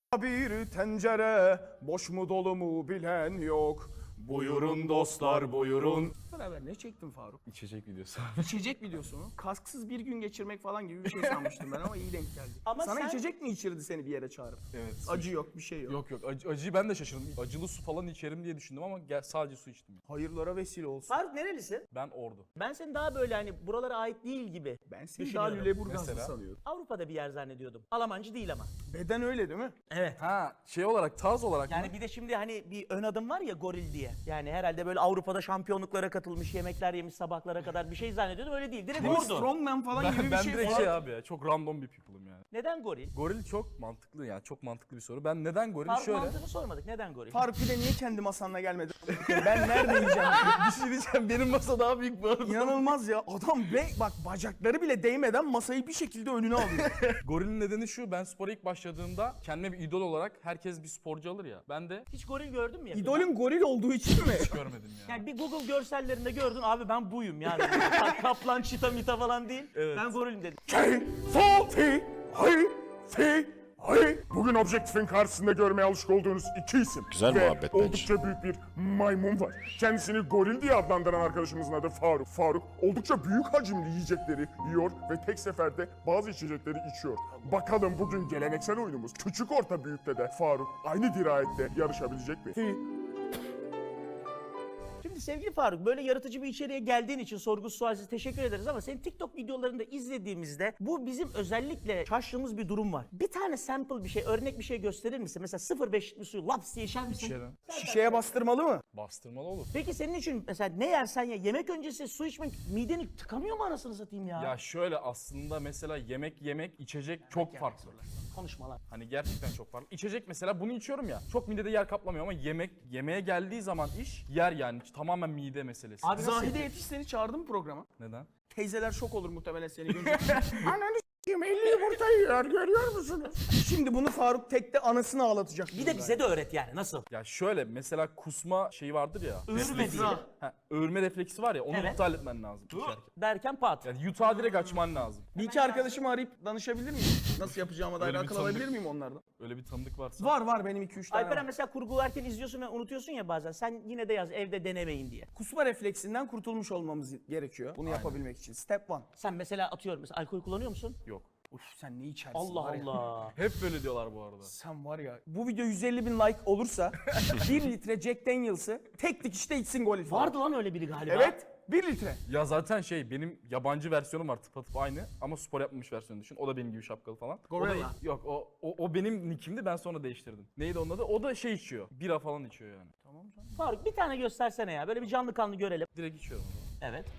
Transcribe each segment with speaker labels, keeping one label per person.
Speaker 1: Bir tencere boş mu dolu mu bilen yok. Buyurun dostlar buyurun. Beraber ne çektin Faruk?
Speaker 2: İçecek videosu.
Speaker 1: İçecek videosu mu? Kasksız bir gün geçirmek falan gibi bir şey sanmıştım ben ama iyi denk geldi.
Speaker 3: Ama
Speaker 1: Sana
Speaker 3: sen-
Speaker 1: içecek mi içirdi seni bir yere çağırıp?
Speaker 2: Evet.
Speaker 1: Acı yok bir şey yok.
Speaker 2: Yok acıyı ben de şaşırdım. Acılı su falan içerim diye düşündüm ama sadece su içtim.
Speaker 1: Hayırlara vesile olsun.
Speaker 3: Faruk nerelisin?
Speaker 2: Ben Ordu.
Speaker 3: Ben seni daha böyle hani buralara ait değil gibi
Speaker 1: Ben seni daha
Speaker 3: düşünüyorum.
Speaker 1: Lüleburgazlı
Speaker 2: Mesela?
Speaker 1: sanıyorum.
Speaker 3: Avrupa'da bir yer zannediyordum. Almancı değil ama.
Speaker 1: Beden öyle değil mi?
Speaker 3: Evet.
Speaker 2: Ha şey olarak tarz olarak
Speaker 3: Yani
Speaker 2: mı?
Speaker 3: bir de şimdi hani bir ön adım var ya goril diye. Yani herhalde böyle Avrupa'da şampiyonluklara katılmış, yemekler yemiş sabahlara kadar bir şey zannediyordum. Öyle değil. Direkt
Speaker 1: Bir
Speaker 3: vurdu.
Speaker 1: strongman falan gibi bir
Speaker 2: Ben
Speaker 1: şey
Speaker 2: direkt
Speaker 1: falan.
Speaker 2: şey abi ya çok random bir people'ım yani.
Speaker 3: Neden goril?
Speaker 2: Goril çok mantıklı yani çok mantıklı bir soru. Ben neden goril?
Speaker 3: Faruk
Speaker 2: Şöyle.
Speaker 3: mantığını sormadık. Neden goril?
Speaker 1: Faruk bir de niye kendi masanla gelmedi? Ben nerede yiyeceğim?
Speaker 2: Bir şey diyeceğim benim masa daha büyük bu arada.
Speaker 1: İnanılmaz ya. Adam bak bacakları bile değmeden masayı bir şekilde önüne alıyor.
Speaker 2: Gorilin nedeni şu, ben spora ilk başladığımda kendime bir idol olarak herkes bir sporcu alır ya. Ben de
Speaker 3: Hiç goril gördün mü? yakında?
Speaker 1: İdolün goril olduğu için mi?
Speaker 2: hiç görmedim ya.
Speaker 3: Yani bir Google görsellerinde gördün abi ben buyum yani. Kaplan, çita, mita falan değil.
Speaker 2: Evet.
Speaker 3: Ben gorilim dedim.
Speaker 4: Bugün Objektif'in karşısında görmeye alışık olduğunuz iki isim.
Speaker 5: Güzel
Speaker 4: Ve
Speaker 5: muhabbet bence.
Speaker 4: oldukça büyük bir maymun var. Kendisini goril diye adlandıran arkadaşımızın adı Faruk. Faruk oldukça büyük hacimli yiyecekleri yiyor ve tek seferde bazı içecekleri içiyor. Bakalım bugün geleneksel oyunumuz küçük orta büyükte de Faruk aynı dirayette yarışabilecek mi?
Speaker 3: Şimdi sevgili Faruk böyle yaratıcı bir içeriğe geldiğin için sorgusuz sualsiz teşekkür ederiz ama senin TikTok videolarında izlediğimizde bu bizim özellikle şaştığımız bir durum var. Bir tane sample bir şey, örnek bir şey gösterir misin? Mesela 0,5'lik bir suyu laps diye içer misin?
Speaker 2: İçerim.
Speaker 1: Şişeye bastırmalı mı?
Speaker 2: Bastırmalı olur.
Speaker 3: Peki senin için mesela ne yersen ye yemek öncesi su içmek mideni tıkanıyor mu anasını satayım ya?
Speaker 2: Ya şöyle aslında mesela yemek içecek çok farklı.
Speaker 3: Konuşma lan.
Speaker 2: Hani gerçekten çok farklı. İçecek mesela bunu içiyorum ya. Çok midede yer kaplamıyor ama yemeğe geldiği zaman iş yer yani tamamen mide meselesi.
Speaker 3: Abi nasıl
Speaker 1: Zahide Yetiş seni çağırdı mı programa?
Speaker 2: Neden?
Speaker 1: Teyzeler şok olur muhtemelen seni görünce.
Speaker 4: Ananı s**eyim 50 yumurta yiyor görüyor musunuz?
Speaker 1: Şimdi bunu Faruk tekte anasını ağlatacak.
Speaker 3: Bir de bize de öğret yani nasıl?
Speaker 2: Ya şöyle mesela kusma şeyi vardır ya.
Speaker 3: Öğürme diye.
Speaker 2: Öğürme refleksi var ya onu
Speaker 3: Evet.
Speaker 2: iptal etmen lazım. içerken.
Speaker 3: Derken pat.
Speaker 2: Yani yutağı direkt açman lazım.
Speaker 1: Bir iki arkadaşımı arayıp danışabilir miyim? Nasıl yapacağıma dair
Speaker 2: Öyle bir
Speaker 1: akıl
Speaker 2: tanıdık-
Speaker 1: alabilir miyim onlardan?
Speaker 2: Öyle bir tanıdık varsa.
Speaker 1: Var benim 2-3 tane
Speaker 3: Alperen
Speaker 1: var.
Speaker 3: mesela kurgularken izliyorsun ve unutuyorsun ya bazen. Sen yine de yaz evde denemeyin diye.
Speaker 1: Kusma refleksinden kurtulmuş olmamız gerekiyor bunu yapabilmek için. Step 1.
Speaker 3: Sen mesela atıyorum mesela alkol kullanıyor musun?
Speaker 2: Yok.
Speaker 1: Uf sen ne içersin
Speaker 3: Allah
Speaker 1: var ya.
Speaker 3: Allah.
Speaker 2: Hep böyle diyorlar bu arada.
Speaker 1: Sen var ya bu video 150 bin like olursa 1 litre Jack Daniels'ı tek dikişte içsin gol falan.
Speaker 3: Vardı lan öyle biri galiba.
Speaker 1: Evet 1 litre.
Speaker 2: Ya zaten benim yabancı versiyonum var tıpatıp aynı ama spor yapmamış versiyonu düşün. O da benim gibi şapkalı falan.
Speaker 1: Gorilla.
Speaker 2: Yok o benim nickimdi ben sonra değiştirdim. Neydi onun adı? O da içiyor. Bira falan içiyor yani.
Speaker 3: Faruk bir tane göstersene ya. Böyle bir canlı kanlı görelim.
Speaker 2: Direkt içiyorum o zaman.
Speaker 3: Evet.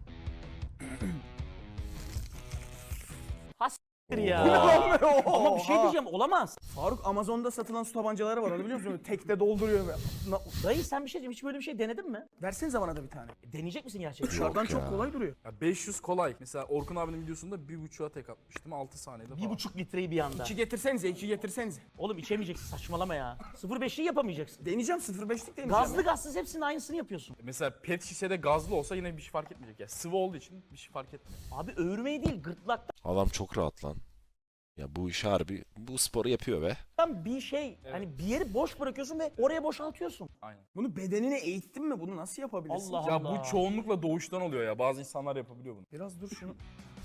Speaker 3: Has**tir ya. Ama bir şey diyeceğim olamaz.
Speaker 1: Faruk Amazon'da satılan su tabancaları var onu biliyor musun? Tekte dolduruyor.
Speaker 3: Dayı sen bir şey diyeyim hiç böyle bir şey denedin mi?
Speaker 1: Versenize bana da bir tane.
Speaker 3: Deneyecek misin gerçekten?
Speaker 1: Dışarıdan
Speaker 5: ya.
Speaker 1: çok kolay duruyor.
Speaker 2: Ya 500 kolay. Mesela Orkun abinin videosunda 1.5'a tek atmıştım 6 saniyede falan.
Speaker 3: 1,5 litreyi bir anda.
Speaker 1: 2 getirsenize 2 getirsenize.
Speaker 3: Oğlum içemeyeceksin saçmalama ya. 0,5'liği yapamayacaksın.
Speaker 1: Deneyeceğim 0.5'lik deneyeceğim.
Speaker 3: Gazlı gazsız hepsinin aynısını yapıyorsun.
Speaker 2: Mesela pet şişede gazlı olsa yine bir şey fark etmeyecek ya. Sıvı olduğu için bir şey fark etmiyor.
Speaker 3: Abi öğürmeyi değil gırtlaktan
Speaker 5: Adam çok rahat lan. Ya bu iş harbi, bu sporu yapıyor be.
Speaker 3: bir şey hani bir yeri boş bırakıyorsun ve oraya boşaltıyorsun.
Speaker 2: Aynen.
Speaker 1: Bunu bedenine eğittin mi? Bunu nasıl yapabilirsin?
Speaker 3: Allah
Speaker 2: Ya
Speaker 3: Allah.
Speaker 2: bu çoğunlukla doğuştan oluyor ya. Bazı insanlar yapabiliyor bunu.
Speaker 1: Biraz dur şunu.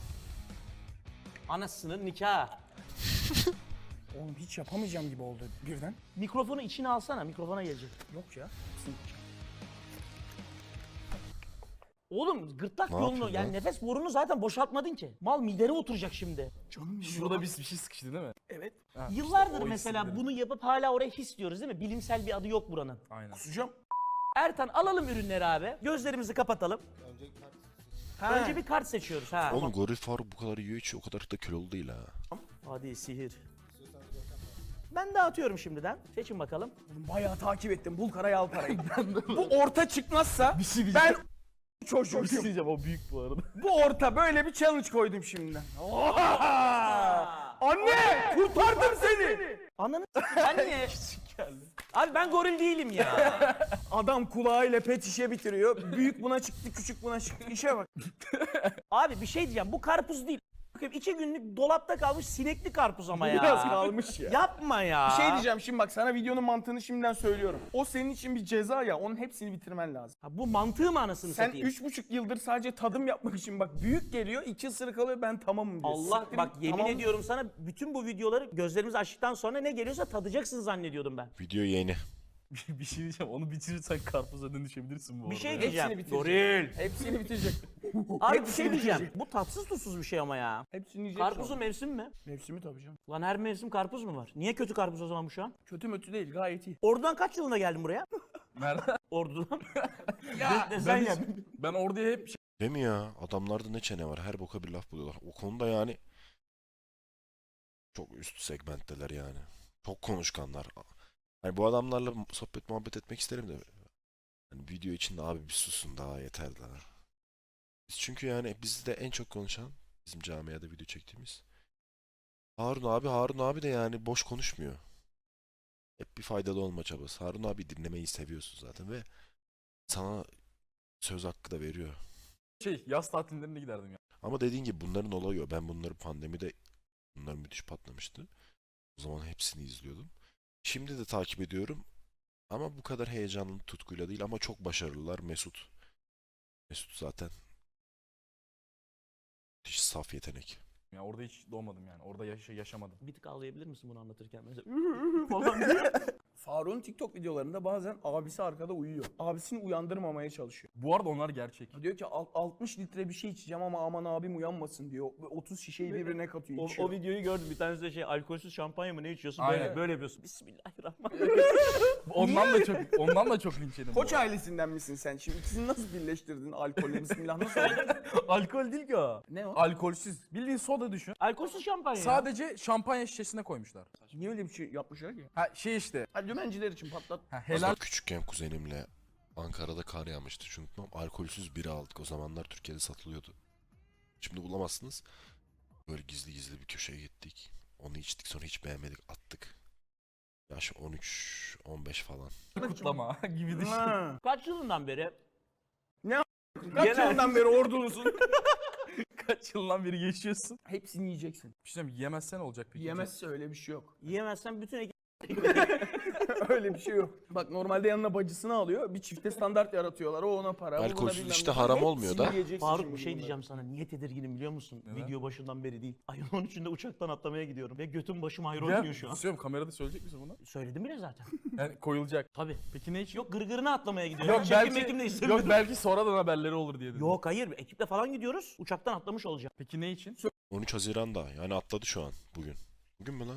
Speaker 3: Anasının nikahı.
Speaker 1: Oğlum hiç yapamayacağım gibi oldu birden.
Speaker 3: Mikrofonu içine alsana mikrofona gelecek.
Speaker 1: Yok ya.
Speaker 3: Oğlum gırtlak
Speaker 5: Ne
Speaker 3: yolunu
Speaker 5: yapıyorsun
Speaker 3: yani
Speaker 5: lan?
Speaker 3: nefes borunu zaten boşaltmadın ki. Mal midene oturacak şimdi.
Speaker 1: Canım benim.
Speaker 2: Şurada bir şey sıkıştı değil mi?
Speaker 1: Evet.
Speaker 2: Ha,
Speaker 3: Yıllardır
Speaker 2: işte o
Speaker 3: mesela
Speaker 2: hissi
Speaker 3: bunu yapıp hala oraya his diyoruz değil mi? Bilimsel bir adı yok buranın.
Speaker 2: Aynen.
Speaker 1: Kusacağım.
Speaker 3: Ertan alalım ürünleri abi. Gözlerimizi kapatalım. Önce bir kart seçiyoruz ha.
Speaker 5: Oğlum goril Faruk bu kadar yiyor içiyor, o kadar da kilolu değil ha.
Speaker 3: Hadi sihir. Ben dağıtıyorum şimdiden. Seçin bakalım.
Speaker 1: Bayağı takip ettim. Bul karayı al parayı. Bu orta çıkmazsa ben çocuğum.
Speaker 2: diyeceğim o büyük bu arada.
Speaker 1: Bu orta böyle bir challenge koydum şimdiden. Anne kurtardım seni.
Speaker 3: Ananı ben niye? Abi ben goril değilim ya.
Speaker 1: Adam kulağıyla pet şişe bitiriyor. Büyük buna çıktı, küçük buna çıktı. İşe bak.
Speaker 3: Abi bir şey diyeceğim. Bu karpuz değil. Bakayım 2 günlük dolapta kalmış sinekli karpuz ama ya.
Speaker 1: Biraz kalmış ya.
Speaker 3: Yapma ya.
Speaker 1: Bir şey diyeceğim şimdi bak sana videonun mantığını şimdiden söylüyorum. O senin için bir ceza ya onun hepsini bitirmen lazım.
Speaker 3: Ha, bu mantığı mı anasını
Speaker 1: Sen
Speaker 3: satayım?
Speaker 1: 3,5 yıldır sadece tadım yapmak için bak büyük geliyor 2 ısırık alıyor ben tamamım diyor.
Speaker 3: Allah
Speaker 1: Siktir
Speaker 3: bak
Speaker 1: git,
Speaker 3: yemin
Speaker 1: tamam.
Speaker 3: ediyorum sana bütün bu videoları gözlerimizi açtıktan sonra ne geliyorsa tadacaksın zannediyordum ben.
Speaker 5: Video yeni.
Speaker 2: Bir şey diyeceğim. Onu bitirirsen karpuza dönüşebilirsin bu arada.
Speaker 3: Bir şey
Speaker 2: ya.
Speaker 3: diyeceğim.
Speaker 1: Hepsini bitirecek.
Speaker 3: Goril.
Speaker 1: Hepsini bitirecek.
Speaker 3: Abi bir
Speaker 1: Hepsini
Speaker 3: şey diyeceğim.
Speaker 1: bitirecek.
Speaker 3: Bu tatsız tuzsuz bir şey ama ya.
Speaker 1: Hepsini yiyecek.
Speaker 3: Karpuzun
Speaker 1: sonra.
Speaker 3: mevsimi mi?
Speaker 1: Mevsimi tabii canım.
Speaker 3: Lan her mevsim karpuz mu var? Niye kötü karpuz o zaman bu şu an?
Speaker 1: Kötü mötü değil gayet iyi.
Speaker 3: Ordu'dan kaç yılında geldin buraya?
Speaker 2: Nerede?
Speaker 3: Ordu'dan.
Speaker 1: Ya
Speaker 3: Sen
Speaker 2: Ben,
Speaker 3: ya.
Speaker 2: ben orada hep
Speaker 5: Değil mi ya? Adamlarda ne çene var. Her boka bir laf buluyorlar. O konuda yani çok üst segmentteler yani. Çok konuşkanlar. Hani bu adamlarla sohbet muhabbet etmek isterim de. Hani video içinde abi bir susun daha yeter daha. Biz çünkü yani bizde en çok konuşan bizim camiada video çektiğimiz Harun abi de yani boş konuşmuyor. Hep bir faydalı olma çabası. Harun abi dinlemeyi seviyorsun zaten ve sana söz hakkı da veriyor.
Speaker 2: yaz tatillerine giderdim ya.
Speaker 5: Ama dediğin gibi bunların olayı o. Ben bunları pandemide bunlar müthiş patlamıştı. O zaman hepsini izliyordum. Şimdi de takip ediyorum. Ama bu kadar heyecanlı tutkuyla değil ama çok başarılılar. Mesut zaten müthiş saf yetenek.
Speaker 2: Ya orada hiç doğmadım yani. Orada yaşamadım.
Speaker 3: Bir tık ağlayabilir misin bunu anlatırken? Mesela falan diye.
Speaker 1: Faruk'un TikTok videolarında bazen abisi arkada uyuyor. Abisini uyandırmamaya çalışıyor.
Speaker 2: Bu arada onlar gerçek.
Speaker 1: Diyor ki 60 litre bir şey içeceğim ama aman abim uyanmasın diyor. Ve 30 şişeyi birbirine katıyor içiyor.
Speaker 3: O videoyu gördüm. Bir tanesi de şey alkolsüz şampanya mı ne içiyorsun?
Speaker 2: Aynen.
Speaker 3: Böyle yapıyorsun. Bismillahirrahmanirrahim.
Speaker 2: Ondan da çok linç yedim.
Speaker 1: Koç
Speaker 2: bu arada.
Speaker 1: ailesinden misin sen? Şimdi ikisini nasıl birleştirdin? Alkolle bismillah nasıl oldu?
Speaker 2: Alkol değil ki o.
Speaker 1: Ne o?
Speaker 2: Alkolsüz. Bildiğin soda düşün.
Speaker 3: Alkolsüz şampanya.
Speaker 2: Sadece şampanya şişesine koymuşlar.
Speaker 1: Niye öyle bir şey yapmışlar ki?
Speaker 2: Ha şey işte.
Speaker 1: Ha dümenciler için patlat.
Speaker 2: Ha,
Speaker 5: Helal.
Speaker 2: helal.
Speaker 5: Küçükken kuzenimle Ankara'da kar yağmıştı. Hiç unutmam. Alkolsüz bira aldık. O zamanlar Türkiye'de satılıyordu. Şimdi bulamazsınız. Böyle gizli gizli bir köşeye gittik. Onu içtik sonra hiç beğenmedik attık. Yaş 13-15 falan.
Speaker 2: Kutlama gibi düşün.
Speaker 1: Ha.
Speaker 3: Kaç yılından beri?
Speaker 1: Kaç
Speaker 3: Genel-
Speaker 1: yıldan beri ordulusun?
Speaker 2: Kaç yıldan beri yaşıyorsun?
Speaker 1: Hepsini yiyeceksin.
Speaker 2: Bir şey diyeyim, yemezsen olacak peki.
Speaker 1: Yemezse öyle bir şey yok.
Speaker 3: Yiyemezsen bütün ekip...
Speaker 1: Öyle bir şey yok. Bak normalde yanına bacısını alıyor. Bir çifte standart yaratıyorlar. O ona para. bu buna
Speaker 5: Alkolsüz
Speaker 1: bilmem
Speaker 5: işte
Speaker 1: ne.
Speaker 5: haram
Speaker 1: Hepsini
Speaker 5: olmuyor da.
Speaker 1: yiyeceksin
Speaker 3: Faruk
Speaker 1: şimdi
Speaker 3: bir şey
Speaker 1: bunları.
Speaker 3: diyeceğim sana. Niye tedirginim biliyor musun?
Speaker 2: Neden?
Speaker 3: Video başından beri değil. Ayın 13'ünde uçaktan atlamaya gidiyorum. Ve götüm başım ayrı
Speaker 2: Ya,
Speaker 3: oynuyor şu an.
Speaker 2: istiyorum, kamerada söyleyecek misin bunu?
Speaker 3: Söyledim bile zaten.
Speaker 2: Yani koyulacak.
Speaker 3: Tabii.
Speaker 2: Peki ne için?
Speaker 3: Yok gırgırına atlamaya gidiyorum.
Speaker 2: Yok
Speaker 3: Çekim
Speaker 2: belki,
Speaker 3: mekim de istemiyorum.
Speaker 2: yok belki sonradan haberleri olur diye dedim.
Speaker 3: Yok hayır. Ekiple falan gidiyoruz. Uçaktan atlamış olacağım.
Speaker 2: Peki ne için?
Speaker 5: 13 Haziran'da yani atladı şu an bugün. Bugün mü lan?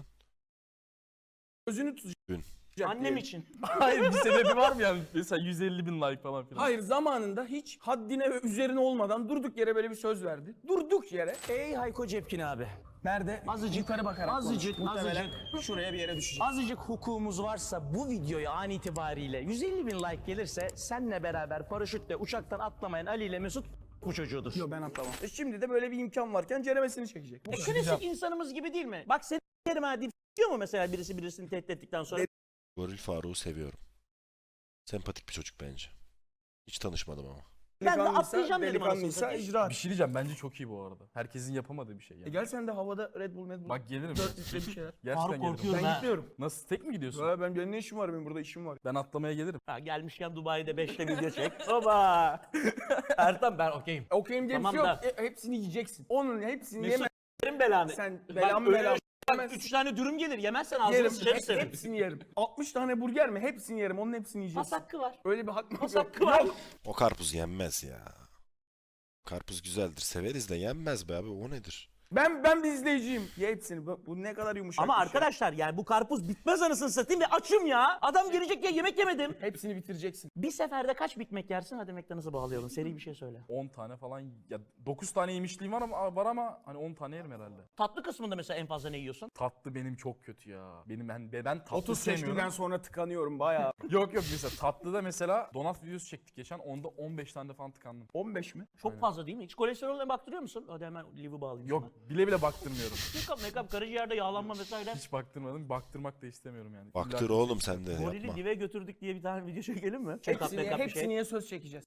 Speaker 1: Gözünü tutacak.
Speaker 3: Annem
Speaker 1: diyelim.
Speaker 3: için.
Speaker 2: Hayır bir sebebi var mı yani? Mesela 150 bin like falan filan.
Speaker 1: Hayır zamanında hiç haddine ve üzerine olmadan durduk yere böyle bir söz verdi. Durduk yere.
Speaker 3: Ey Hayko Cepkin abi.
Speaker 1: Nerede?
Speaker 3: Azıcık
Speaker 1: Yukarı bakarak
Speaker 3: azıcık,
Speaker 1: konuş. Muhtemelen
Speaker 3: azıcık.
Speaker 1: şuraya bir yere düşecek.
Speaker 3: Azıcık hukukumuz varsa bu videoya an itibariyle 150 bin like gelirse senle beraber paraşütle uçaktan atlamayan Ali ile Mesut bu çocuğudur.
Speaker 1: Yok ben atlamam. Şimdi de böyle bir imkan varken ceremesini çekecek. Bu kadar.
Speaker 3: Klasik insanımız gibi değil mi? Bak seni yerim ha deyip diyor mu mesela birisi birisini tehdit ettikten sonra?
Speaker 5: Goril Faruk'u seviyorum. Sempatik bir çocuk bence. Hiç tanışmadım ama.
Speaker 3: Ben de
Speaker 1: Delikanlıysa-
Speaker 3: atlayacağım dedim anasını
Speaker 1: Delikanlıysa
Speaker 3: satayım.
Speaker 1: icraat.
Speaker 2: Bir şey diyeceğim bence çok iyi bu arada. Herkesin yapamadığı bir şey yani.
Speaker 1: Gel sen de havada Red Bull, Red Bull.
Speaker 2: Bak gelirim.
Speaker 1: 4 litre bir şeyler.
Speaker 2: Gerçekten
Speaker 3: Faruk
Speaker 2: gelirim.
Speaker 3: korkuyorum
Speaker 1: Ben
Speaker 3: ha.
Speaker 1: gitmiyorum.
Speaker 2: Nasıl tek mi gidiyorsun?
Speaker 1: Ya benim ne işim var benim burada işim var.
Speaker 2: Ben atlamaya gelirim.
Speaker 3: Ha, gelmişken Dubai'de 5'te video çek. Oba. Ertan ben okeyim.
Speaker 1: Okeyim diye bir
Speaker 3: Tamam
Speaker 1: şey yok.
Speaker 3: da.
Speaker 1: Hepsini yiyeceksin. Onun hepsini
Speaker 3: Mesut
Speaker 1: yeme.
Speaker 3: yerim belanı.
Speaker 1: Sen
Speaker 3: Bak,
Speaker 1: belamı
Speaker 3: öyle
Speaker 1: belamı.
Speaker 3: 3 tane dürüm gelir. Yemezsen ağzını
Speaker 1: Yerim.
Speaker 3: sıçarı senin.
Speaker 1: Hepsini yerim. 60 tane burger mi? Hepsini yerim. Onun hepsini
Speaker 3: Pas
Speaker 1: yiyeceksin.
Speaker 3: hakkı var.
Speaker 1: Öyle bir hak mı?
Speaker 3: Pas
Speaker 1: Yok.
Speaker 3: hakkı var.
Speaker 1: Yok.
Speaker 5: O karpuz yenmez ya. Karpuz güzeldir. Severiz de yenmez be abi. O nedir?
Speaker 1: Ben bir izleyiciyim. Ye hepsini. Bu ne kadar yumuşak.
Speaker 3: Ama
Speaker 1: bir şey.
Speaker 3: arkadaşlar yani bu karpuz bitmez anasını satayım ve açım ya. Adam gelecek ya yemek yemedim.
Speaker 1: Hepsini bitireceksin.
Speaker 3: Bir seferde kaç Big Mac yersin? Hadi McDonald's'a bağlayalım. Seri bir şey söyle.
Speaker 2: 10 tane falan ya 9 tane yemişliğim var ama hani 10 tane yerim herhalde.
Speaker 3: Tatlı kısmında mesela en fazla ne yiyorsun?
Speaker 2: Tatlı benim çok kötü ya. Ben tatlı
Speaker 1: 30
Speaker 2: sevmiyorum.
Speaker 1: seçkiden sonra tıkanıyorum bayağı.
Speaker 2: Yok mesela tatlıda mesela donat videosu çektik geçen. Onda 15 tane de falan tıkandım.
Speaker 1: 15 mi?
Speaker 3: Çok fazla değil mi? Hiç kolesterolüne baktırıyor musun? Hadi hemen live'ı bağlayayım.
Speaker 2: Yok bile baktırmıyorum.
Speaker 3: Make-up, karaciğerde yağlanma vesaire.
Speaker 2: Hiç baktırmadım. Baktırmak da istemiyorum yani.
Speaker 5: Baktır
Speaker 2: İlla-
Speaker 5: oğlum sen de
Speaker 3: Gorili
Speaker 5: yapma.
Speaker 3: live götürdük diye bir tane video çekelim mi? Check-up,
Speaker 1: Hepsini,
Speaker 3: make-up bir şey.
Speaker 1: hepsini söz çekeceğiz.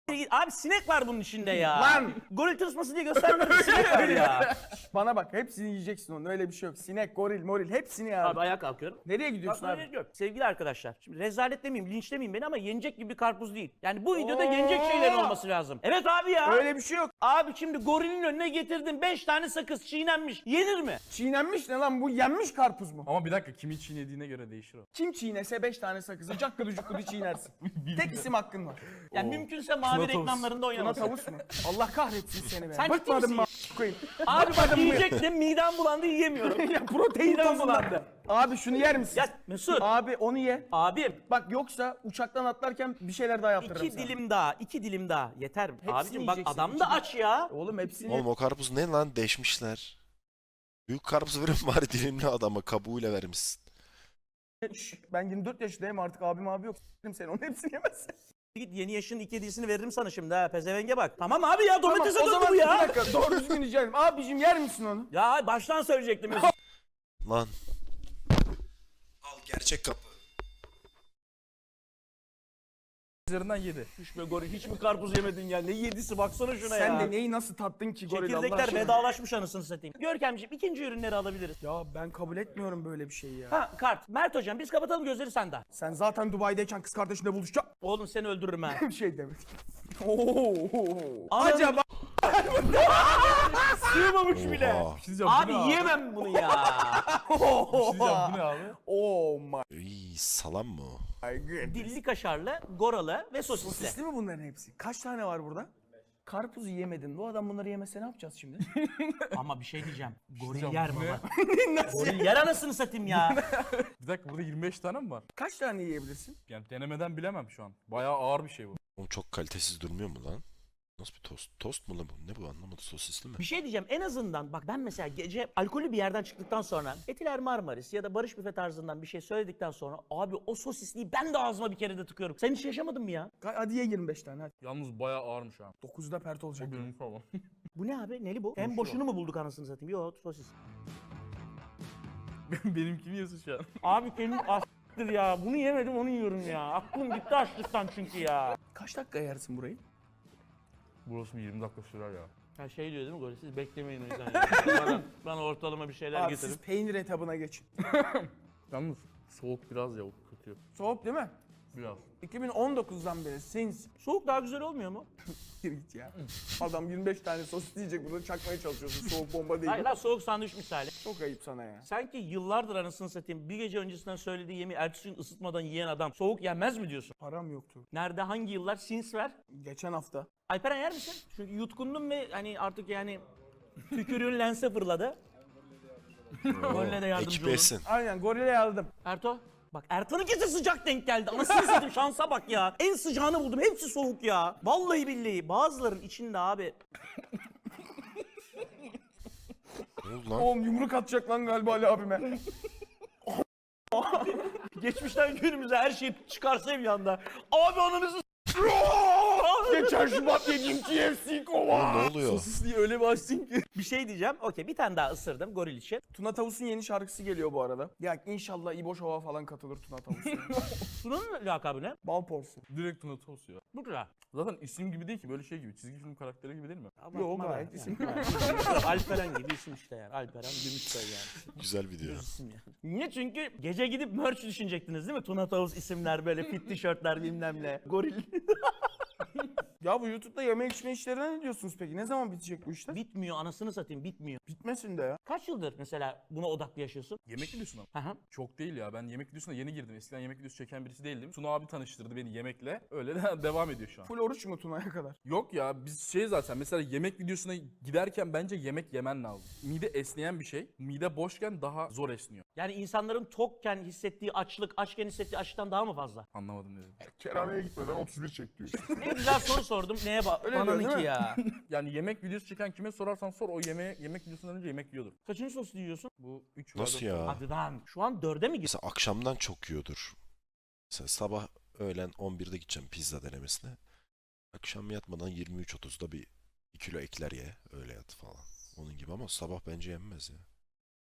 Speaker 3: Abi sinek var bunun içinde ya.
Speaker 1: Lan!
Speaker 3: Goril tırsması diye göstermedim, sinek var ya.
Speaker 1: Bana bak hepsini yiyeceksin onun öyle bir şey yok. Sinek, goril, moril hepsini ya.
Speaker 3: Abi ayağa kalkıyorum.
Speaker 1: Nereye gidiyorsun
Speaker 3: Bak,
Speaker 1: abi?
Speaker 3: yok. Sevgili arkadaşlar, şimdi rezalet demeyeyim, linç demeyeyim beni ama yenecek gibi bir karpuz değil. Yani bu videoda yenecek şeylerin olması lazım. Evet abi ya.
Speaker 1: Öyle bir şey yok.
Speaker 3: Abi şimdi gorilin önüne getirdim 5 tane sakız çiğnenmiş. Yenir mi?
Speaker 1: Çiğnenmiş ne lan bu yenmiş karpuz mu?
Speaker 2: Ama bir dakika kimin çiğnediğine göre değişir o.
Speaker 1: Kim çiğnese 5 tane sakızı cakkıdı cukkudu çiğnersin. Tek isim hakkın var.
Speaker 3: Yani mümkünse mavi
Speaker 2: Tuna tavus.
Speaker 3: reklamlarında
Speaker 1: Buna
Speaker 3: oynamasın.
Speaker 1: tavus mu? Allah kahretsin seni be.
Speaker 3: Sen ciddi
Speaker 1: Bıkmadın mı
Speaker 3: misin?
Speaker 1: koyayım.
Speaker 3: Abi bak
Speaker 1: Bıkmadın mı?
Speaker 3: yiyecektim, midem bulandı, yiyemiyorum.
Speaker 1: Ya protein
Speaker 3: Midem
Speaker 1: tozundan.
Speaker 3: bulandı.
Speaker 1: Abi şunu yer misin?
Speaker 3: Ya Mesut,
Speaker 1: Abi onu ye.
Speaker 3: abim
Speaker 1: Bak yoksa uçaktan atlarken bir şeyler daha yaptırırım
Speaker 3: 2
Speaker 1: sana.
Speaker 3: dilim daha, 2 dilim daha. Yeter mi? Abicim bak
Speaker 1: yiyeceksin,
Speaker 3: adam da
Speaker 1: iki
Speaker 3: aç ya.
Speaker 1: Oğlum hepsini
Speaker 5: Oğlum o karpuz ne lan deşmişler. Büyük karpuz verin bari dilimli adama kabuğuyla vermişsin.
Speaker 1: Şş, ben 24 yaşındayım artık abim abi yok. S**erim seni onun hepsini yemezsin.
Speaker 3: Git yeni yaşın 2 hediyesini veririm sana şimdi ha. Pezevenge bak. Tamam abi ya, domatese
Speaker 1: o
Speaker 3: döndü
Speaker 1: zaman
Speaker 3: bu ya.
Speaker 1: bir dakika doğru düzgün rica ederim. Abicim yer misin onu?
Speaker 3: Ya baştan söyleyecektim Mesut.
Speaker 5: Lan. Al gerçek kapı.
Speaker 2: Üzerinden 7.
Speaker 3: Hiç mi goril, hiç mi karpuz yemedin ya? Ne yedisi baksana şuna
Speaker 1: Sen
Speaker 3: ya.
Speaker 1: de neyi nasıl tattın ki goril Allah
Speaker 3: Çekirdekler
Speaker 1: aşkına?
Speaker 3: vedalaşmış anasını satayım. Görkemciğim ikinci ürünleri alabiliriz.
Speaker 1: Ya ben kabul etmiyorum böyle bir şeyi ya.
Speaker 3: Ha kart. Mert hocam biz kapatalım gözleri sende.
Speaker 1: Sen zaten Dubai'deyken kız kardeşinle buluşacak
Speaker 3: Oğlum seni öldürürüm ha.
Speaker 1: bir şey demek. Oo.
Speaker 3: Anam-
Speaker 1: Acaba
Speaker 3: Sığmamış bile.
Speaker 5: Oha.
Speaker 2: Bir şey diyeceğim,
Speaker 3: Abi
Speaker 2: bu ne abi?
Speaker 3: yiyemem bunu ya.
Speaker 2: Bir şey diyeceğim, bu ne abi?
Speaker 1: Oh my
Speaker 5: İyi salam mı o?
Speaker 1: god.
Speaker 3: Dilli kaşarlı, goralı ve sosisli.
Speaker 1: Sosisli mi bunların hepsi? Kaç tane var burada? Karpuzu yemedin. Bu adam bunları yemese ne yapacağız şimdi?
Speaker 3: Ama bir şey diyeceğim. Goril
Speaker 2: diyeceğim,
Speaker 3: yer
Speaker 2: bu ne?
Speaker 3: baba. Goril yer anasını satayım ya.
Speaker 2: Bir dakika burada 25 tane mi var?
Speaker 1: Kaç tane yiyebilirsin?
Speaker 2: Yani denemeden bilemem şu an. Bayağı ağır bir şey bu.
Speaker 5: Oğlum çok kalitesiz durmuyor mu lan? Nasıl bir tost? Tost mu lan bu? Ne bu anlamadım sosisli mi?
Speaker 3: Bir şey diyeceğim, en azından bak ben mesela gece alkollü bir yerden çıktıktan sonra Etiler Marmaris ya da Barış Büfe tarzından bir şey söyledikten sonra abi o sosisliği ben de ağzıma bir kere de tıkıyorum. Sen hiç yaşamadın mı ya?
Speaker 1: Hadi ye 25 tane hadi.
Speaker 2: Yalnız bayağı ağırmış ha.
Speaker 1: 9'da pert olacak.
Speaker 2: O benim falan.
Speaker 3: Bu ne abi? Neli bu? En boşunu mu bulduk anasını satayım? Yok sosis.
Speaker 2: Benimkini yiyorsun şu an.
Speaker 3: Abi senin a**tır ya. Bunu yemedim onu yiyorum ya. Aklım gitti açlıktan çünkü ya.
Speaker 1: Kaç dakika yersin burayı?
Speaker 2: Burası 20 dakika sürer ya.
Speaker 3: Ha şey diyor değil mi Goril? Siz beklemeyin o yüzden. ya. bana ortalama bir şeyler
Speaker 1: Abi
Speaker 3: getirin.
Speaker 1: siz peynir etabına geçin.
Speaker 2: Yalnız soğuk biraz ya, o kötü.
Speaker 1: Soğuk değil mi?
Speaker 2: Biraz.
Speaker 1: 2019'dan beri since
Speaker 3: Soğuk daha güzel olmuyor mu?
Speaker 1: Gir git ya. Adam 25 tane sosis yiyecek bunu çakmaya çalışıyorsun. Soğuk bomba değil.
Speaker 3: Hayır lan soğuk sandviç misali.
Speaker 1: Çok ayıp sana ya.
Speaker 3: Sanki yıllardır anasını satayım bir gece öncesinden söylediği yemeği ertesi gün ısıtmadan yiyen adam soğuk yenmez mi diyorsun?
Speaker 1: Param yoktu.
Speaker 3: Nerede hangi yıllar? Sins ver.
Speaker 1: Geçen hafta.
Speaker 3: Alperen yer misin? Çünkü yutkundum ve hani artık yani tükürüğün lense fırladı. Golle de yardımcı
Speaker 5: Ekip
Speaker 3: olun.
Speaker 5: yesin.
Speaker 1: Aynen gorile yardım.
Speaker 3: Erto. Bak Erto'nunkisi sıcak denk geldi. Anasını satayım şansa bak ya. En sıcağını buldum. Hepsi soğuk ya. Vallahi billahi. Bazıların içinde abi.
Speaker 5: Ne oldu lan?
Speaker 1: Oğlum yumruk atacak lan galiba Ali abime.
Speaker 3: Geçmişten günümüze her şey çıkarsa bir anda. Abi ananızı
Speaker 1: Geçen Şubat yediğim KFC kova.
Speaker 5: Oğlum ne oluyor?
Speaker 2: Sosisliği öyle bir açtın ki.
Speaker 3: bir şey diyeceğim. Okey bir tane daha ısırdım goril için.
Speaker 1: Tuna Tavus'un yeni şarkısı geliyor bu arada. Ya inşallah İbo Şov'a falan katılır Tuna Tavus.
Speaker 3: Sunan'ın lakabı ne?
Speaker 1: Bal porsu.
Speaker 2: Direkt Tuna Tost ya.
Speaker 3: Bu kadar.
Speaker 2: Zaten isim gibi değil ki, böyle şey gibi. Çizgi film karakteri gibi değil mi?
Speaker 1: Yok gayet isim.
Speaker 3: Alperen gibi isim işte yani. Alperen Gümüşsoy yani.
Speaker 5: Güzel video.
Speaker 3: İsim yani. Niye? Çünkü gece gidip merch düşünecektiniz değil mi? Tuna Tavus isimler böyle fit tişörtler bilmem ne. Goril.
Speaker 1: Ya bu YouTube'da yeme içme işlerine ne diyorsunuz peki? Ne zaman bitecek bu işler?
Speaker 3: Bitmiyor anasını satayım bitmiyor.
Speaker 1: Bitmesin de ya.
Speaker 3: Kaç yıldır mesela buna odaklı yaşıyorsun?
Speaker 2: Yemek videosuna mı?
Speaker 3: Hı hı.
Speaker 2: Çok değil ya. Ben yemek videosuna yeni girdim. Eskiden yemek videosu çeken birisi değildim. Tuna abi tanıştırdı beni yemekle. Öyle de devam ediyor şu an.
Speaker 1: Full oruç mu Tuna'ya kadar?
Speaker 2: Yok ya, biz şey zaten mesela yemek videosuna giderken bence yemek yemen lazım. Mide esneyen bir şey. Mide boşken daha zor esniyor.
Speaker 3: Yani insanların tokken hissettiği açlık, açken hissettiği açlıktan daha mı fazla?
Speaker 2: Anlamadım dedim.
Speaker 4: Kerhaneye gitmeden 31 çek diyor.
Speaker 3: Ne güzel soru sordum. Neye bak?
Speaker 1: Öyle
Speaker 3: Bana
Speaker 1: diyor,
Speaker 3: ne
Speaker 1: değil
Speaker 3: ki
Speaker 1: mi?
Speaker 3: ya?
Speaker 2: Yani yemek videosu çeken kime sorarsan sor, o yemek videosundan önce yemek yiyordur.
Speaker 3: Kaçıncı sosu yiyorsun?
Speaker 2: Bu 3
Speaker 5: Nasıl ya?
Speaker 3: Hadi lan. Şu an 4'e mi gidiyorsun?
Speaker 5: Mesela akşamdan çok yiyordur. Mesela sabah öğlen 11'de gideceğim pizza denemesine. Akşam yatmadan 23.30'da bir 2 kilo ekler ye. Öyle yat falan. Onun gibi ama sabah bence yenmez ya.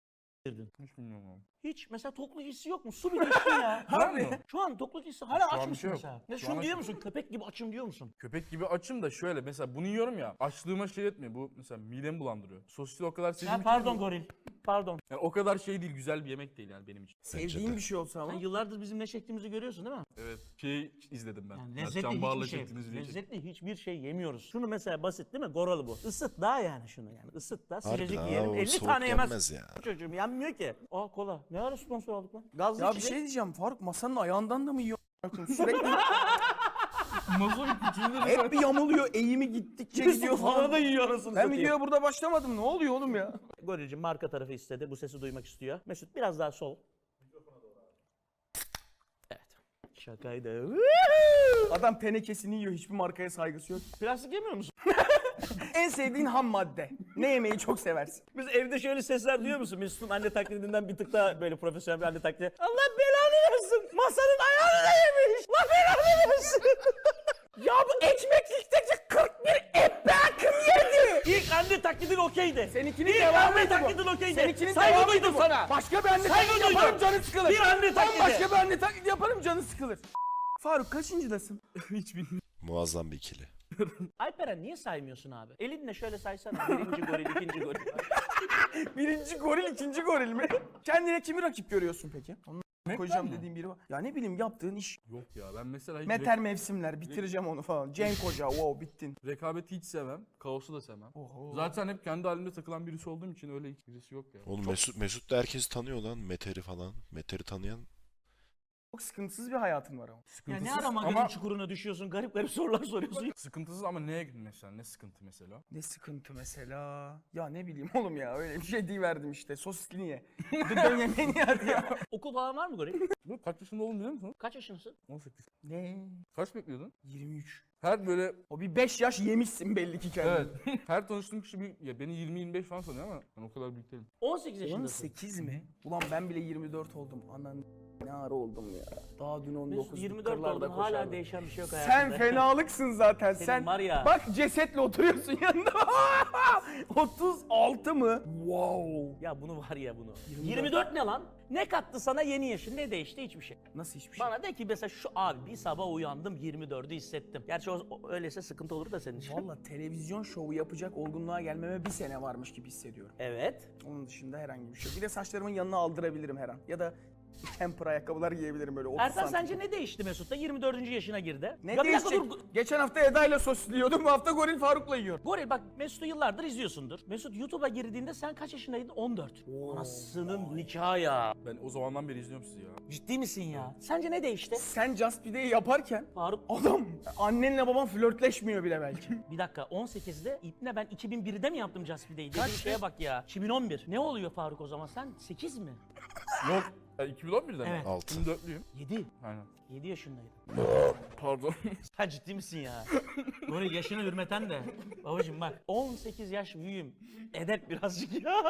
Speaker 2: Hiç bilmiyorum abi.
Speaker 3: Hiç mesela tokluk hissi yok mu? Su bile içtin ya.
Speaker 2: Harbi.
Speaker 3: Şu an tokluk hissi hala
Speaker 2: Şu an
Speaker 3: aç
Speaker 2: bir
Speaker 3: mısın
Speaker 2: şey yok.
Speaker 3: mesela? Ne
Speaker 2: Şu
Speaker 3: şunu
Speaker 2: an
Speaker 3: diyor
Speaker 2: aç-
Speaker 3: musun? Köpek gibi açım diyor musun?
Speaker 2: Köpek gibi açım da şöyle mesela bunu yiyorum ya açlığıma şey etmiyor. Bu mesela midemi bulandırıyor. Sosisli o kadar
Speaker 3: Ya
Speaker 2: sevdiğim
Speaker 3: pardon goril. Pardon.
Speaker 2: yani o kadar şey değil, güzel bir yemek değil yani benim için.
Speaker 1: Sevdiğin bir şey olsa ama.
Speaker 3: Sen yıllardır bizim ne çektiğimizi görüyorsun değil mi?
Speaker 2: Evet. Şey izledim ben.
Speaker 3: Yani
Speaker 2: Mert
Speaker 3: lezzetli
Speaker 2: Can Bağır'la
Speaker 3: hiçbir şey.
Speaker 2: çektiğiniz videoyu çektim.
Speaker 3: Lezzetli hiçbir şey yemiyoruz. Şunu mesela basit değil mi? Goralı bu. Isıt daha yani şunu yani. Isıt da sıcacık
Speaker 5: Harbiden
Speaker 3: yiyelim.
Speaker 5: ha, o
Speaker 3: 50
Speaker 5: soğuk
Speaker 3: tane yemez.
Speaker 5: yenmez ya.
Speaker 3: Çocuğum yenmiyor ki. Aa kola. Ne ara sponsor aldık lan? Gazlı
Speaker 1: Ya bir
Speaker 3: içecek.
Speaker 1: şey diyeceğim Faruk, masanın ayağından da mı yiyor? Sürekli
Speaker 2: Masonun küçüğünde
Speaker 1: hep bir yamuluyor, eğimi gittikçe gidiyor falan.
Speaker 3: da yiyor arasını
Speaker 1: Ben
Speaker 3: satayım.
Speaker 1: videoya burada başlamadım, ne oluyor oğlum ya?
Speaker 3: Gorilcim marka tarafı istedi. Bu sesi duymak istiyor. Mesut biraz daha sol. Evet. Şakaydı.
Speaker 1: Adam tenekesini yiyor, hiçbir markaya saygısı yok.
Speaker 3: Plastik yemiyor musun?
Speaker 1: En sevdiğin ham madde. Ne yemeyi çok seversin?
Speaker 3: Biz evde şöyle sesler duyuyor musun? Mesut'un anne taklidinden bir tık daha böyle profesyonel bir anne taklidi. Allah belanı versin. Masanın ayağını da yemiş. Allah belanı versin. Ya bu ekmeklikteki 41 ekmeğim yedi. İlk anne taklidin okeydi.
Speaker 1: Seninkinin
Speaker 3: İlk
Speaker 1: devamıydı
Speaker 3: anne
Speaker 1: bu.
Speaker 3: taklidin okeydi.
Speaker 1: Seninkinin
Speaker 3: Saygı
Speaker 1: devamıydı
Speaker 3: duydum
Speaker 1: bu.
Speaker 3: sana.
Speaker 1: Başka bir anne
Speaker 3: Saygı
Speaker 1: taklidi
Speaker 3: duydum.
Speaker 1: yaparım, canı sıkılır.
Speaker 3: Bir anne taklidi.
Speaker 1: Başka bir anne taklidi yaparım, canı sıkılır. Faruk kaçıncıdasın?
Speaker 2: hiç bilmiyorum.
Speaker 5: Muazzam bir ikili.
Speaker 3: Alperen niye saymıyorsun abi? Elinle şöyle saysana. Birinci goril, ikinci goril.
Speaker 1: Birinci goril, ikinci goril mi? Kendine kimi rakip görüyorsun peki? Onu koyacağım dediğim biri var. Ya ne bileyim, yaptığın iş.
Speaker 2: Yok ya ben mesela hiç
Speaker 1: Meter mevsimler, bitireceğim onu falan. Cenk Hoca, wow bittin.
Speaker 2: rekabeti hiç sevmem. Kaosu da sevmem.
Speaker 1: Oho.
Speaker 2: Zaten hep kendi halimde takılan birisi olduğum için öyle hiç birisi yok ya.
Speaker 5: Oğlum Mesut da herkesi tanıyor lan. Meter'i falan. Meter'i tanıyan.
Speaker 1: Çok sıkıntısız bir hayatın var ama.
Speaker 3: Ya
Speaker 2: Sıkıntısız
Speaker 3: ne ara magazin
Speaker 2: ama
Speaker 3: çukuruna düşüyorsun? Garip garip sorular soruyorsun.
Speaker 2: sıkıntısız ama neye mesela? Ne sıkıntı mesela?
Speaker 1: Ne sıkıntı mesela? Ya ne bileyim oğlum ya, öyle bir şey verdim işte. Sosisli niye? Dön yemeğini hadi ya.
Speaker 3: Okul falan var mı goril?
Speaker 2: Bu kaç yaşında oldun biliyor musun?
Speaker 3: Kaç yaşındasın?
Speaker 2: 18.
Speaker 1: Ne?
Speaker 2: Kaç bekliyordun?
Speaker 1: 23.
Speaker 2: Her böyle
Speaker 1: O bir 5 yaş yemişsin belli ki kendini.
Speaker 2: evet. Her tanıştığım kişi ya beni 20-25 falan sanıyor ama ben o kadar büyük değilim.
Speaker 3: 18 yaşındasın.
Speaker 1: 18 mi? Ulan ben bile 24 oldum. Anan ne ara oldum ya. Daha dün 19
Speaker 3: Mesut 24 oldun hala değişen bir şey yok
Speaker 1: Sen
Speaker 3: hayatında.
Speaker 1: fenalıksın zaten.
Speaker 3: Senin
Speaker 1: Sen
Speaker 3: var ya.
Speaker 1: bak cesetle oturuyorsun yanında. 36 mı? Wow.
Speaker 3: Ya bunu var ya bunu. 24 ne lan? Ne kattı sana yeni yaşın? Ne değişti? Hiçbir şey.
Speaker 1: Nasıl hiçbir şey?
Speaker 3: Bana de ki mesela şu abi bir sabah uyandım 24'ü hissettim. Gerçi öyleyse sıkıntı olur da senin için.
Speaker 1: Valla televizyon şovu yapacak olgunluğa gelmeme bir sene varmış gibi hissediyorum.
Speaker 3: Evet.
Speaker 1: Onun dışında herhangi bir şey yok. Bir de saçlarımın yanına aldırabilirim her an. Ya da temper ayakkabılar giyebilirim böyle 30
Speaker 3: Ertan
Speaker 1: santim.
Speaker 3: sence ne değişti Mesut'ta? 24. yaşına girdi.
Speaker 1: Ne
Speaker 3: Ya bir dakika
Speaker 1: değişecek?
Speaker 3: dur.
Speaker 1: Geçen hafta Eda ile sosluyordum. Bu hafta Goril Faruk'la yiyorum.
Speaker 3: Goril bak Mesut'u yıllardır izliyorsundur. Mesut YouTube'a girdiğinde sen kaç yaşındaydın? 14. Anasının nikahı ya.
Speaker 2: Ben o zamandan beri izliyorum sizi ya.
Speaker 3: Ciddi misin ya? Sence ne değişti?
Speaker 1: Sen Just Pide'yi yaparken
Speaker 3: Faruk
Speaker 1: adam annenle baban flörtleşmiyor bile belki.
Speaker 3: bir dakika 18'de İpne ben 2001'de mi yaptım Just Pide'yi? Dediğin şeye bak ya. 2011. Ne oluyor Faruk o zaman sen? 8 mi?
Speaker 2: Yok. 2011'den
Speaker 3: Evet.
Speaker 2: mi?
Speaker 5: 6.
Speaker 2: 24'lüyüm.
Speaker 3: 7.
Speaker 2: Aynen.
Speaker 3: 7 yaşındaydın.
Speaker 2: Pardon.
Speaker 3: Sen ciddi misin ya? Goril yaşını hürmeten de. Babacım bak 18 yaş büyüğüm. Edep birazcık ya.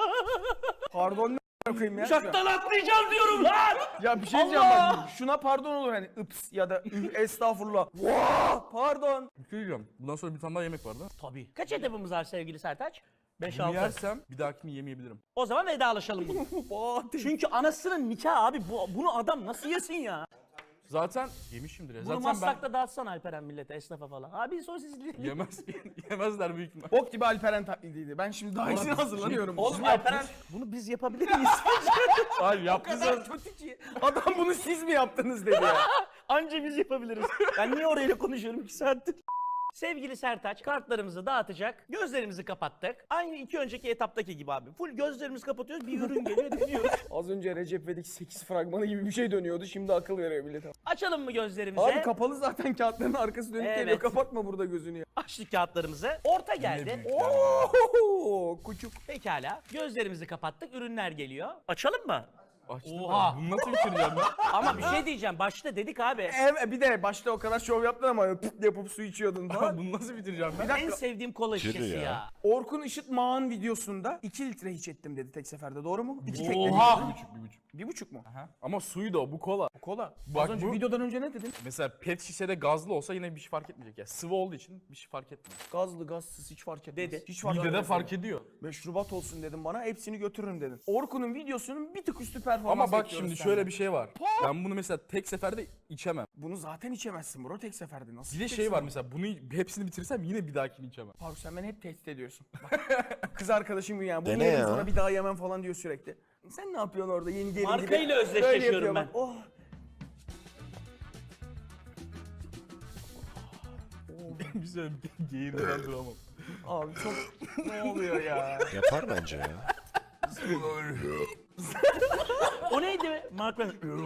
Speaker 1: Pardon ne koyayım ya.
Speaker 3: Uçaktan atlayacağım diyorum lan.
Speaker 1: Ya bir şey diyeceğim bak. Şuna pardon olur hani ıps ya da estağfurullah. Vaa pardon.
Speaker 2: Bir şey diyeceğim. Bundan sonra bir tane daha yemek vardı.
Speaker 3: Tabii. Kaç edebimiz var sevgili Sertaç?
Speaker 2: Bunu
Speaker 3: 5-6.
Speaker 2: yersem bir dahakini yemeyebilirim.
Speaker 3: O zaman vedalaşalım bunu. Çünkü anasının nikahı abi. Bunu adam nasıl yesin ya?
Speaker 2: Zaten yemişimdir ya.
Speaker 3: Bunu
Speaker 2: Zaten
Speaker 3: Maslak'ta dağıtsana Alperen millete, esnafa falan. Abi sosisli.
Speaker 2: yemezler büyük ihtimal.
Speaker 1: Bok gibi Alperen taklidiydi. Ben şimdi daha iyisini hazırlanıyorum.
Speaker 3: Oğlum Alperen bunu biz yapabilir miyiz?
Speaker 2: Hayır
Speaker 1: O
Speaker 2: yaptınız.
Speaker 1: kadar kötü ki. Adam bunu siz mi yaptınız dedi ya.
Speaker 3: Anca biz yapabiliriz. Ben niye orayla konuşuyorum 2 saattir? Sevgili Sertaç kartlarımızı dağıtacak. Gözlerimizi kapattık. Aynı iki önceki etaptaki gibi abi. Full gözlerimizi kapatıyoruz. Bir ürün geliyor dönüyoruz.
Speaker 1: Az önce Recep İvedik 8 fragmanı gibi bir şey dönüyordu. Şimdi akıl veriyor millete.
Speaker 3: Açalım mı gözlerimizi?
Speaker 1: Abi kapalı zaten, kağıtların arkası dönük
Speaker 3: Evet.
Speaker 1: geliyor. Kapatma burada gözünü ya.
Speaker 3: Açtık kağıtlarımızı. Orta geldi.
Speaker 1: Ooo küçük.
Speaker 3: Pekala. Gözlerimizi kapattık. Ürünler geliyor. Açalım mı?
Speaker 2: Açtım
Speaker 3: Oha.
Speaker 2: ben. Bunu nasıl bitireceğim ben?
Speaker 3: Ama bir şey diyeceğim. Başta dedik abi.
Speaker 1: Evet, bir de başta o kadar şov yaptın ama pıt yapıp su içiyordun falan.
Speaker 2: Bunu nasıl bitireceğim ben?
Speaker 3: En sevdiğim kola
Speaker 5: Kirli
Speaker 3: şişesi
Speaker 5: ya.
Speaker 3: ya.
Speaker 1: Orkun Işıtmağ'ın videosunda 2 litre hiç ettim dedi tek seferde, doğru mu? 2 tekne.
Speaker 3: Oha!
Speaker 1: 1,5 mu?
Speaker 2: Ama suyu da o, bu kola.
Speaker 1: Kola.
Speaker 2: Bak
Speaker 1: Az önce
Speaker 2: bu-
Speaker 1: videodan önce ne dedin?
Speaker 2: Mesela pet şişede gazlı olsa yine bir şey fark etmeyecek ya. Sıvı olduğu için bir şey fark etmiyor.
Speaker 1: Gazlı gazsız hiç fark etmez.
Speaker 3: Dedi.
Speaker 1: Hiç fark
Speaker 2: Midede
Speaker 1: etmez.
Speaker 2: fark ediyor.
Speaker 1: Meşrubat olsun dedim bana, hepsini götürürüm dedin. Orkun'un videosunun bir tık üstü performans
Speaker 2: Ama bak
Speaker 1: bekliyoruz
Speaker 2: şimdi
Speaker 1: senden.
Speaker 2: şöyle bir şey var. Ben bunu mesela tek seferde içemem.
Speaker 1: Bunu zaten içemezsin bro tek seferde. Nasıl
Speaker 2: Bir de
Speaker 1: içeceksin
Speaker 2: şey var
Speaker 1: bunu?
Speaker 2: mesela bunu hepsini bitirirsem yine bir dahakini içemem.
Speaker 1: Faruk sen beni hep tehdit ediyorsun. Bak, kız arkadaşım gibi yani. Bunu
Speaker 5: Dene
Speaker 1: yerim
Speaker 5: ya.
Speaker 1: sonra bir daha yemem falan diyor sürekli. Sen ne yapıyorsun orada yeni gelin gibi?
Speaker 3: Markayla
Speaker 1: Böyle
Speaker 3: özdeşleşiyorum
Speaker 1: yapıyor
Speaker 3: ben.
Speaker 1: bak, Oh.
Speaker 2: Güzel geğirden duramam.
Speaker 1: Abi çok ne oluyor ya?
Speaker 5: Yapar bence ya.
Speaker 3: O neydi? Mark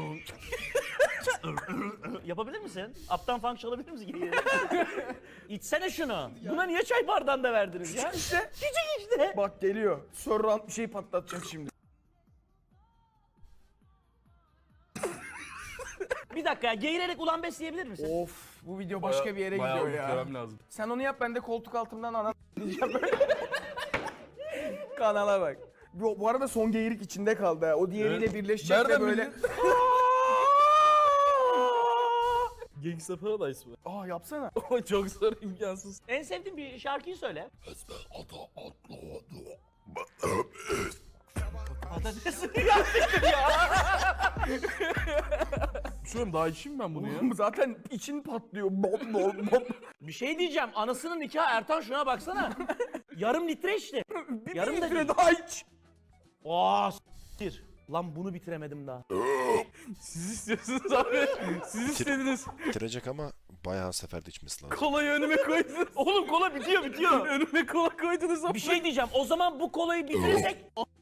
Speaker 3: yapabilir misin? Up'tan funk çalabilir misin? Geri geri. İçsene şunu. Buna niye çay bardağında verdiniz ya?
Speaker 1: İşte
Speaker 3: Küçük işte.
Speaker 1: bak geliyor. Surround bir şey patlatacak şimdi.
Speaker 3: Bir dakika ya, geğirerek ulan besleyebilir misin?
Speaker 1: Of bu video başka bir yere
Speaker 2: Bayağı
Speaker 1: gidiyor ya.
Speaker 2: bitirmem lazım.
Speaker 1: Sen onu yap, ben de koltuk altımdan ana diyeceğim böyle. Kanala bak. Bu arada son geyirik içinde kaldı ha. O diğeriyle
Speaker 2: Evet.
Speaker 1: birleşecek
Speaker 2: Nereden
Speaker 1: ve böyle.
Speaker 2: Gangsta Paradise mı?
Speaker 1: Aa yapsana.
Speaker 2: O çok zor, imkansız.
Speaker 3: En sevdiğin bir şarkıyı söyle. Patates
Speaker 2: Şuram daha içeyim ben bunu ya.
Speaker 1: Zaten için patlıyor. Bom bom bom.
Speaker 3: Bir şey diyeceğim. Anasının nikahı Ertan, şuna baksana. Yarım litre içti.
Speaker 1: Bir
Speaker 3: Yarım da
Speaker 1: litre
Speaker 3: değil.
Speaker 1: daha iç.
Speaker 3: Aa s**tir. Lan bunu bitiremedim daha.
Speaker 2: Siz istiyorsunuz abi. Siz istediniz.
Speaker 5: Bitirecek ama bayağı seferde içmesi lazım.
Speaker 2: Kolayı önüme koydunuz.
Speaker 3: Oğlum kola bitiyor.
Speaker 2: Önüme kola koydunuz ama.
Speaker 3: Bir şey diyeceğim. O zaman bu kolayı bitirirsek...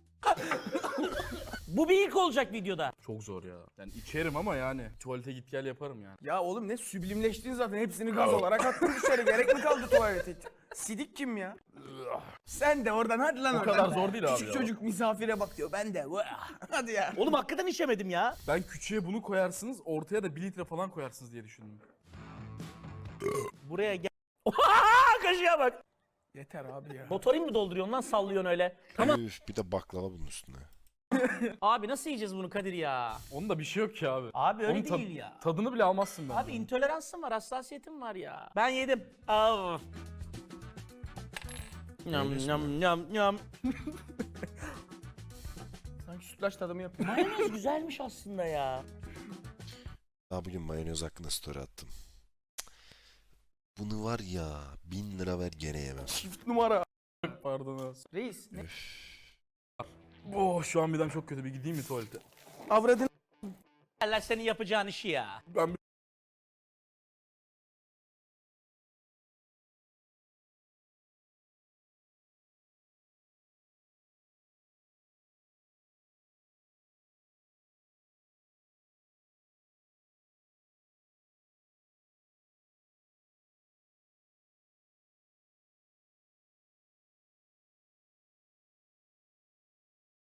Speaker 3: Bu bir ilk olacak videoda.
Speaker 2: Çok zor ya. Yani içerim ama yani. Tuvalete git gel yaparım yani.
Speaker 1: Ya oğlum ne süblimleştin zaten. Hepsini gaz olarak attın dışarı. Gerek mi kaldı tuvalete? Sidik kim ya? Sen de oradan hadi lan
Speaker 2: O
Speaker 1: oradan.
Speaker 2: kadar zor değil abi
Speaker 1: Küçük
Speaker 2: ya.
Speaker 1: çocuk misafire bak diyor. Ben de. Hadi ya.
Speaker 3: Oğlum hakikaten içemedim ya.
Speaker 2: Ben küçüğe bunu koyarsınız, ortaya da 1 litre falan koyarsınız diye düşündüm.
Speaker 3: Buraya gel. Oha, kaşığa bak.
Speaker 1: Yeter abi ya.
Speaker 3: Motorin mi dolduruyorsun lan, sallıyorsun öyle? Tamam.
Speaker 5: Üf, bir de baklava bunun üstüne.
Speaker 3: Abi nasıl yiyeceğiz bunu Kadir ya?
Speaker 2: Onun da bir şey yok ki abi.
Speaker 3: Abi öyle
Speaker 2: Onun ta-
Speaker 3: değil ya.
Speaker 2: Tadını bile almazsın ben.
Speaker 3: Abi intoleransım var, hassasiyetim var ya. Ben yedim. Av. Nyam nyam nyam nyam.
Speaker 1: Sanki sütlaç tadımı yapıyor.
Speaker 3: Mayonez güzelmiş aslında ya.
Speaker 5: Daha bugün mayonez hakkında story attım. Cık. Bunu var ya 1000 lira ver gene yemem.
Speaker 1: Çift numara.
Speaker 2: Pardon abi.
Speaker 1: Reis ne?
Speaker 2: Oh, şu an midem çok kötü, bir gideyim mi tuvalete?
Speaker 1: Avradın.
Speaker 3: Allah senin yapacağın işi ya.
Speaker 2: Ben bir